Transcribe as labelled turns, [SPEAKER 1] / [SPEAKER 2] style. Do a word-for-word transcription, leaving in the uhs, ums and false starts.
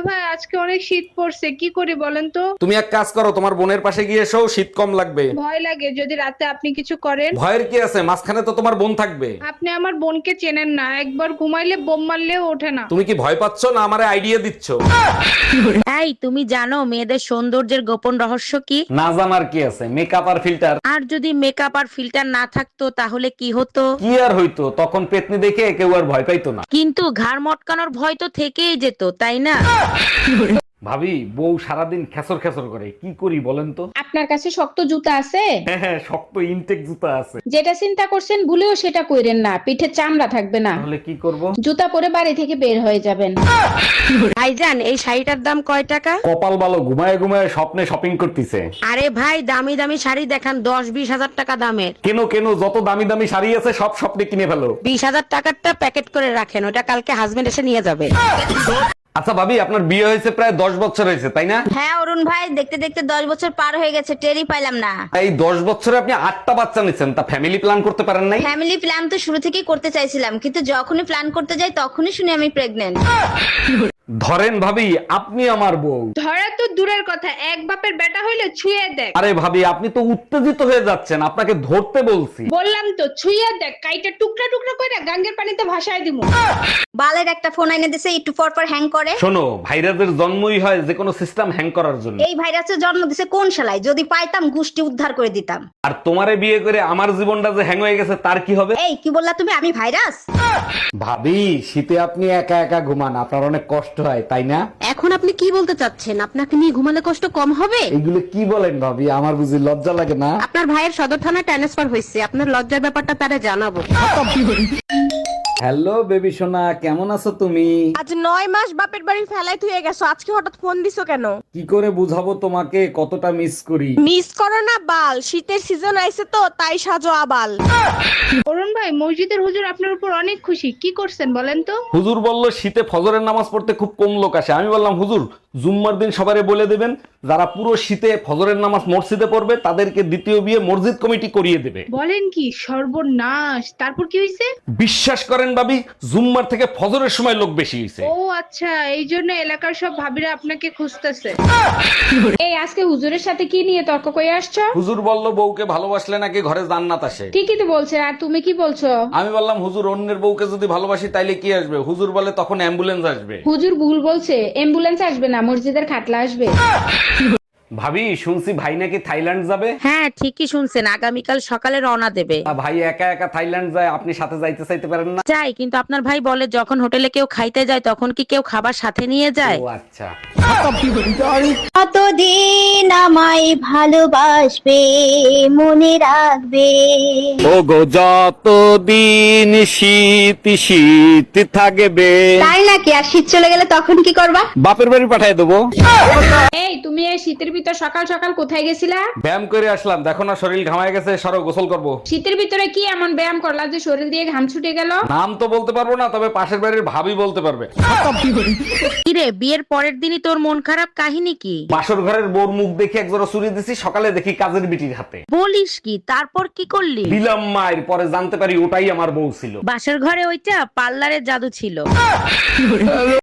[SPEAKER 1] ভাই আজকে অনেক শীত পড়ছে, কি করি বলেন তো?
[SPEAKER 2] তুমি এক কাজ করো, তোমার বোনের পাশে গিয়ে এসো, শীত কম লাগবে।
[SPEAKER 1] ভয় লাগে যদি রাতে আপনি কিছু করেন।
[SPEAKER 2] ভয়ের কি আছে, মাঝখানে তো তোমার বোন থাকবে।
[SPEAKER 1] আপনি আমার বোনকে চেনেন না, একবার ঘুমাইলে বোম মারলেও ওঠে না।
[SPEAKER 2] তুমি কি ভয় পাচ্ছ না আমারে আইডিয়া দিচ্ছ?
[SPEAKER 3] এই তুমি জানো মেয়েদের সৌন্দর্যের গোপন রহস্য কি?
[SPEAKER 2] না জানার কি আছে, মেকআপ আর ফিল্টার।
[SPEAKER 3] আর যদি মেকআপ আর ফিল্টার না থাকতো তাহলে কি হতো?
[SPEAKER 2] কি আর হইতো, তখন পেতনি দেখে কেউ আর ভয় পাইতো না।
[SPEAKER 3] কিন্তু ঘাড় মটকানোর ভয় তো থেকেই যেত, তাই না?
[SPEAKER 2] ভাবি, বউ সারাদিন খেসর খেসর করে, কি করি বলেন তো?
[SPEAKER 4] আপনার কাছে শক্ত জুতা আছে?
[SPEAKER 2] হ্যাঁ হ্যাঁ, শক্ত ইনটেক জুতা আছে।
[SPEAKER 4] যেটা চিন্তা করছেন ভুলেও সেটা কইরেন না, পিঠে চামড়া থাকবে না।
[SPEAKER 2] তাহলে কি করব?
[SPEAKER 4] জুতা পরে বাড়ি থেকে বের হয়ে যাবেন।
[SPEAKER 3] ভাইজান এই শাড়িটার দাম কয় টাকা?
[SPEAKER 2] কপাল ভালো, ঘুমায় ঘুমায় স্বপ্নে শপিং করতেছে।
[SPEAKER 3] আরে ভাই দামি দামি শাড়ি দেখান, দশ বিশ হাজার টাকা দামের।
[SPEAKER 2] কেন কেন, যত দামি দামি শাড়ি আছে সব স্বপ্নে কিনে ফেলো।
[SPEAKER 3] বিশ হাজার টাকারটা প্যাকেট করে রাখেন, ওটা কালকে হাজবেন্ড এসে নিয়ে যাবে।
[SPEAKER 2] আচ্ছা ভাবি, আপনার বিয়ে হয়েছে প্রায় দশ বছর হয়েছে তাই না?
[SPEAKER 5] হ্যাঁ অরুণ ভাই, দেখতে দেখতে দশ বছর পার হয়ে গেছে, টেরই পাইলাম না।
[SPEAKER 2] এই দশ বছরে আপনি আটটা বাচ্চা নিচ্ছেন, তা ফ্যামিলি প্ল্যান করতে পারেন নাই?
[SPEAKER 5] ফ্যামিলি প্ল্যান তো শুরু থেকেই করতে চাইছিলাম, কিন্তু যখনই প্ল্যান করতে যাই তখনই শুনি আমি প্রেগনেন্ট।
[SPEAKER 2] ধরেন ভাবি, আপনি আমার বউ।
[SPEAKER 1] ধরা তো দূরের কথা, এক বাপের বেটা হইলে ছুঁয়ে দেখ।
[SPEAKER 2] আরে ভাবি, আপনি তো উত্তেজিত হয়ে যাচ্ছেন, আপনাকে ধরতে বলছি।
[SPEAKER 1] বললাম তো ছুঁয়ে দেখ, কাইটা টুকরা টুকরা করে গাঙ্গের পানিতে ভাসায় দিমু।
[SPEAKER 5] বালের একটা ফোন এনে দিছে, একটু পর পর হ্যাং করে।
[SPEAKER 2] শোনো, ভাইরাসের জন্মই হয় যে কোনো সিস্টেম হ্যাং করার জন্য।
[SPEAKER 5] এই ভাইরাসের জন্ম দিছে কোন শালায়? যদি পাইতাম গোষ্ঠী উদ্ধার করে দিতাম।
[SPEAKER 2] আর তোমারে বিয়ে করে আমার জীবনটা যে হ্যাং হয়ে গেছে তার কি হবে?
[SPEAKER 5] এই কি বললা তুমি, আমি ভাইরাস?
[SPEAKER 2] ভাবি, শীতে আপনি একা একা ঘুমান, আপনার অনেক কষ্ট হয় তাই না?
[SPEAKER 3] এখন আপনি কি বলতে চাচ্ছেন? আপনাকে নিয়ে ঘুমালে কষ্ট কম হবে?
[SPEAKER 2] এইগুলো কি বলেন ভাবি, আমার বুঝি লজ্জা লাগে না?
[SPEAKER 3] আপনার ভাইয়ের সদর থানায় ট্রান্সফার হয়েছে, আপনার লজ্জার ব্যাপারটা তারা জানাবো।
[SPEAKER 2] হ্যালো বেবি সোনা, কেমন আছো তুমি?
[SPEAKER 6] আজ নয় মাস বাপের বাড়ি ফেলাই থুয়ে গেছো, আজকে হঠাৎ ফোন দিছো কেন?
[SPEAKER 2] কি করে বুঝাবো তোমাকে কতটা মিস করি?
[SPEAKER 6] মিস করো না বাল, শীতের সিজন আইছে তো তাই সাজো আবাল।
[SPEAKER 1] অরুণ ভাই, মসজিদের হুজুর আপনার উপর অনেক খুশি, কি করছেন বলেন তো?
[SPEAKER 2] হুজুর বলল শীতে ফজরের নামাজ পড়তে খুব কম লোক আসে। আমি বললাম হুজুর, জুম্মার দিন সবারে বলে দেবেন যারা পুরো শীতে ফজরের নামাজ মসজিদে পড়বে তাদেরকে দ্বিতীয় বিয়ে মসজিদ কমিটি করিয়ে দেবে।
[SPEAKER 1] বলেন কি, সর্বনাশ! তারপর কি হয়েছে?
[SPEAKER 2] বিশ্বাস করেন ভাবি, জুম্মার থেকে ফজরের সময় লোক বেশি হয়েছে।
[SPEAKER 1] ও আচ্ছা, এই জন্য এলাকার সব ভাবিরা আপনাকে খুঁজতেছে।
[SPEAKER 4] এই আজকে হুজুরের সাথে কি নিয়ে তর্ক করে আসছো?
[SPEAKER 2] হুজুর বলল বউকে ভালোবাসলে নাকি ঘরে জান্নাত আসে।
[SPEAKER 4] ঠিকই তো বলছে, আর তুমি কি বলছো?
[SPEAKER 2] আমি বললাম হুজুর, অন্যের বউকে যদি ভালোবাসি তাইলে কি আসবে? হুজুর বলে তখন অ্যাম্বুলেন্স আসবে।
[SPEAKER 4] হুজুর ভুল বলছে, অ্যাম্বুলেন্স আসবে না, মসজিদের খাটলা আসবে।
[SPEAKER 2] ভাবি, শুনছি ভাই নাকি থাইল্যান্ড যাবে।
[SPEAKER 3] হ্যাঁ ঠিকই শুনছেন, আগামীকাল সকালে রওনা দেবে।
[SPEAKER 2] তা ভাই একা একা থাইল্যান্ড যায়, আপনি সাথে যাইতে চাইতে পারেন না?
[SPEAKER 3] যাই, কিন্তু আপনার ভাই বলে যখন হোটেলে কেউ খাইতে যায় তখন কি কেউ খাবার সাথে নিয়ে যায়?
[SPEAKER 2] ও আচ্ছা।
[SPEAKER 5] কতদিন আমায় ভালোবাসবে, মনে রাখবে।
[SPEAKER 2] ও গো, যতদিন শীত শীত থাকবে।
[SPEAKER 5] তাই নাকি? আর শীত চলে গেলে তখন কি করবা?
[SPEAKER 2] বাপের বাড়ি পাঠিয়ে দেবো।
[SPEAKER 4] এই তুমি এই শীতের ভিতর সকাল সকাল কোথায় গেছিলা?
[SPEAKER 2] ব্যায়াম করে আসলাম, দেখো না শরীর ঘামায় গেছে, সরো গোসল করব।
[SPEAKER 4] শীতের ভিতরে কি এমন ব্যায়াম করলা যে শরীর দিয়ে ঘাম ছুটে গেল?
[SPEAKER 2] নাম তো বলতে পারবো না, তবে পাশের বাড়ির ভাবি বলতে পারবে।
[SPEAKER 3] কিরে, বিয়ের পরের দিনই তোর মন খারাপ, কাহিনী কি?
[SPEAKER 2] বাসর ঘরের বোর মুখ দেখে একজোড়া চুরি দিছি, সকালে দেখি কাজের বিটির হাতে।
[SPEAKER 3] বলিস কি? তারপর কি করলি?
[SPEAKER 2] দিলাম মায়ের, পরে জানতে পারি ওটাই আমার বউ ছিল।
[SPEAKER 3] বাসর ঘরে ওইটা পার্লারের জাদু ছিল।